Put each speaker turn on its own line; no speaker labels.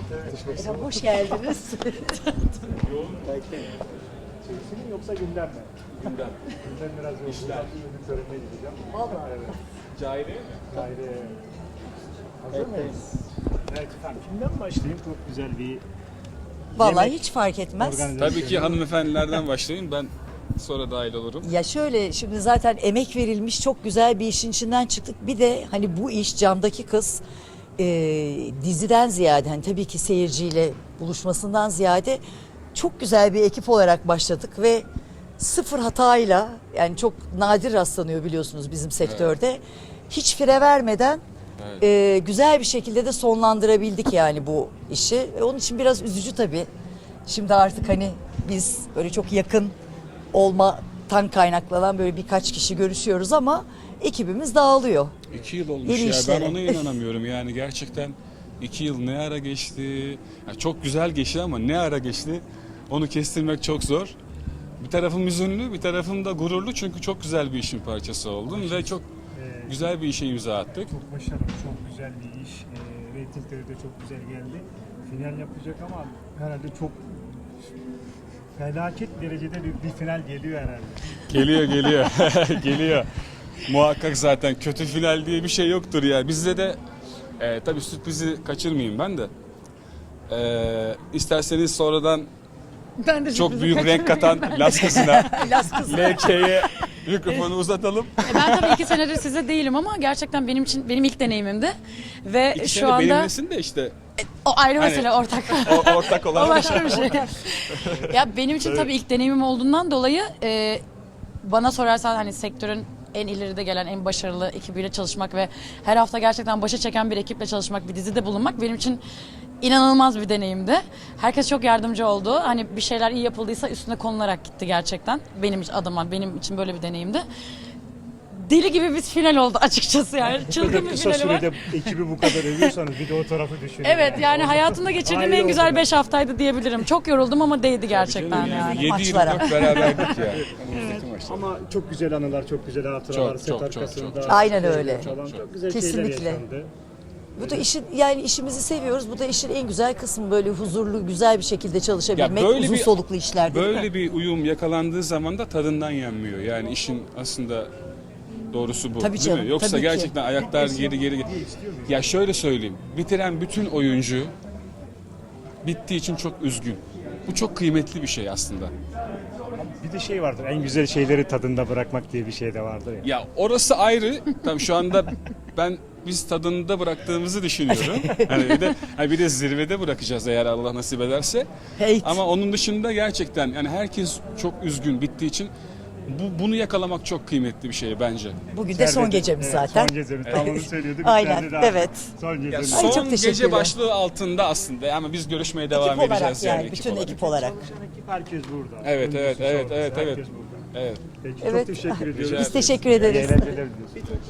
Efendim, hoş geldiniz.
Çekisi mi yoksa gündem mi?
Gündem.
Gündem biraz yoğun.
İşler.
Ürün törenine gideceğim.
Vallahi.
Evet.
Cahili.
Gayri. Hazır mıyız? Evet efendim. Kimden başlayayım? Çok güzel bir
Vallahi
yemek
hiç fark etmez.
organizasyonu.
Tabii ki hanımefendilerden başlayın. Ben sonra dahil olurum.
Ya şöyle, şimdi zaten emek verilmiş, çok güzel bir işin içinden çıktık. Bir de hani bu iş Camdaki Kız diziden ziyade, hani tabii ki seyirciyle buluşmasından ziyade çok güzel bir ekip olarak başladık ve sıfır hatayla, yani çok nadir rastlanıyor biliyorsunuz bizim sektörde. Hiç fire vermeden güzel bir şekilde de sonlandırabildik yani bu işi. Onun için biraz üzücü tabii. Şimdi artık hani biz böyle çok yakın olmadan kaynaklanan böyle birkaç kişi görüşüyoruz ama ekibimiz dağılıyor.
2 yıl olmuş
Yeni
ya.
işleri.
Ben ona inanamıyorum. Yani gerçekten 2 yıl ne ara geçti? Ya çok güzel geçti ama ne ara geçti? Onu kestirmek çok zor. Bir tarafım üzünlü, bir tarafım da gururlu çünkü çok güzel bir işin parçası oldum ve çok güzel bir işe imza attık.
Çok başarılı, çok güzel bir iş. Reytingleri de çok güzel geldi. Final yapacak ama herhalde çok felaket derecede bir final geliyor herhalde.
Geliyor. Geliyor. Muhakkak zaten kötü final diye bir şey yoktur ya. Bizde de tabii sürprizi kaçırmayayım ben de. İsterseniz sonradan
Ben de
çok büyük renk katan Las kızına,
Las kızı.
LK'ye mikrofonu uzatalım.
Ben tabii 2 senedir size değilim ama gerçekten benim için benim ilk deneyimimdi ve
İki
şu
sene
anda
benimlesin de işte
o ayrı
Hani-
mesele ortak.
ortak
O
olan
başka bir şey. Ya benim için tabii ilk deneyimim olduğundan dolayı bana sorarsan hani sektörün en ileride gelen, en başarılı ekibiyle çalışmak ve her hafta gerçekten başa çeken bir ekiple çalışmak, bir dizide bulunmak benim için inanılmaz bir deneyimdi. Herkes çok yardımcı oldu. Hani bir şeyler iyi yapıldıysa üstüne konularak gitti gerçekten. Benim adıma, benim için böyle bir deneyimdi. Deli gibi bir final oldu açıkçası yani.
Bu
Çılgın
kadar
bir
kısa
finali var.
sürede ekibi bu kadar övüyorsanız bir de o tarafı düşünün.
Evet yani hayatımda geçirdiğim en güzel
Ayrı
5 haftaydı diyebilirim. Çok yoruldum ama değdi gerçekten yani.
7-24 beraberdik ya. Önümüzdeki maçta.
Ama çok güzel anılar, çok güzel hatıralar,
Çok,
set
çok,
arkasında.
çok.
Aynen öyle.
Falan. Çok güzel
Kesinlikle.
şeyler yaşandı.
Bu da işin, yani işimizi seviyoruz. Bu da işin en güzel kısmı, böyle huzurlu, güzel bir şekilde çalışabilmek,
Ya böyle
uzun
bir-
soluklu işler değil mi?
Böyle bir uyum yakalandığı zaman da tadından yenmiyor. Yani işin aslında doğrusu bu.
Tabii
değil
canım,
mi? Yoksa
tabii ki.
gerçekten ayaklar geri. Ya şöyle söyleyeyim. Bitiren bütün oyuncu bittiği için çok üzgün. Bu çok kıymetli bir şey aslında.
Bir de şey vardır, en güzel şeyleri tadında bırakmak diye bir şey de vardır ya.
Ya orası ayrı. Tabii şu anda biz tadında bıraktığımızı düşünüyorum. Hani bir de zirvede bırakacağız eğer Allah nasip ederse.
Hate.
Ama onun dışında gerçekten yani herkes çok üzgün bittiği için bunu yakalamak çok kıymetli bir şey bence.
Bugün de son
İçeride de-
gecemiz
evet,
zaten.
Son gecemiz. Tam onu söylüyorduk.
Aynen,
İçeride de
evet.
Son
Ya
gecemiz.
Ay, çok
son
teşekkürler.
gece başlığı altında aslında ama biz görüşmeye devam
Ekip olarak
edeceğiz
yani,
yani.
bütün ekip olarak.
Çalışan ekip herkes burada.
Evet, evet,
Öncüsü,
evet,
sonrası,
evet, evet.
herkes burada.
Evet.
Peki,
Evet.
çok teşekkür ediyoruz.
Biz teşekkür ederiz.
İyi eğlenceler diliyoruz.